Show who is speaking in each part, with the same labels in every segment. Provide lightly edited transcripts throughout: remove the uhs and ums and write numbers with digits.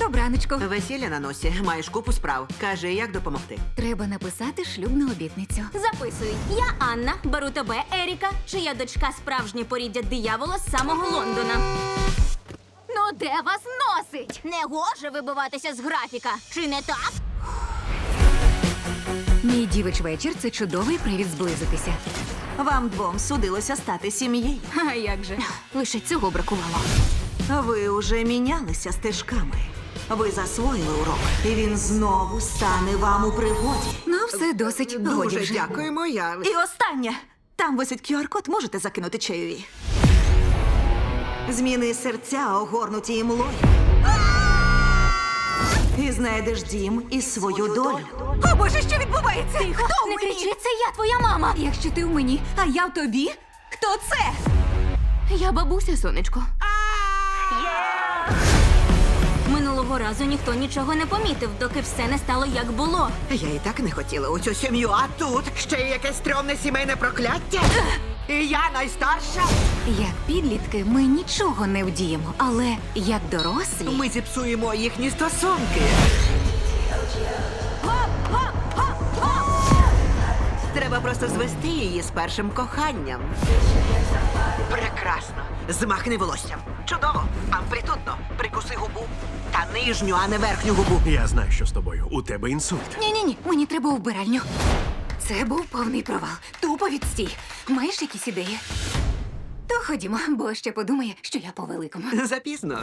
Speaker 1: Добраночку.
Speaker 2: Весілля на носі, маєш купу справ. Кажи, як допомогти.
Speaker 1: Треба написати шлюбну обітницю.
Speaker 3: Записуй. Я Анна, беру тебе, Еріка, чия дочка справжнє поріддя диявола з самого Лондона.
Speaker 1: Ну де вас носить?
Speaker 3: Не гоже вибиватися з графіка, чи не так?
Speaker 1: Мій дівич вечір – це чудовий привід зблизитися.
Speaker 2: Вам двом судилося стати сім'єю.
Speaker 1: А як же? Лише цього бракувало.
Speaker 2: Ви уже мінялися стежками. Ви засвоїли урок, і він знову стане вам у пригоді.
Speaker 1: Ну, все досить. Годі
Speaker 2: Дуже
Speaker 1: вже.
Speaker 2: дякуємо, я. І останнє. Там висить QR-код, можете закинути чайові. Зміни серця, огорнуті імлою. І знайдеш дім і свою долю.
Speaker 1: О, Боже, що відбувається?
Speaker 3: Тихо, не кричи, це я, твоя мама.
Speaker 1: Якщо ти в мені, а я в тобі, хто це?
Speaker 3: Я бабуся, сонечко. Минулого разу ніхто нічого не помітив, доки все не стало як було.
Speaker 2: Я і так не хотіла у цю сім'ю, а тут ще й якесь стрьомне сімейне прокляття. І я найстарша.
Speaker 1: Як підлітки ми нічого не вдіємо, але як дорослі...
Speaker 2: Ми зіпсуємо їхні стосунки. Треба просто звести її з першим коханням. Прекрасно. Змахни волоссям. Чудово. Амплітудно. Прикуси губу. Та нижню, а не верхню губу.
Speaker 4: Я знаю, що з тобою. У тебе інсульт.
Speaker 1: Ні-ні-ні, мені треба у вбиральню. Це був повний провал. Тупо відстій. Маєш якісь ідеї? То ходімо, бо ще подумає, що я по-великому.
Speaker 2: Запізно.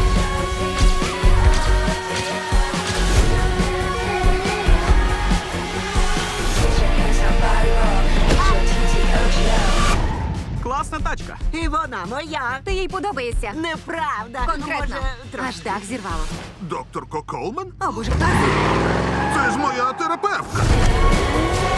Speaker 4: Класна тачка.
Speaker 2: І вона моя.
Speaker 1: Ти їй подобаєшся.
Speaker 2: Неправда.
Speaker 1: Конкретно.
Speaker 2: Може,
Speaker 1: Аж дах зірвало.
Speaker 5: Доктор Колман?
Speaker 1: О, Боже, так.
Speaker 5: Це ж моя терапевтка.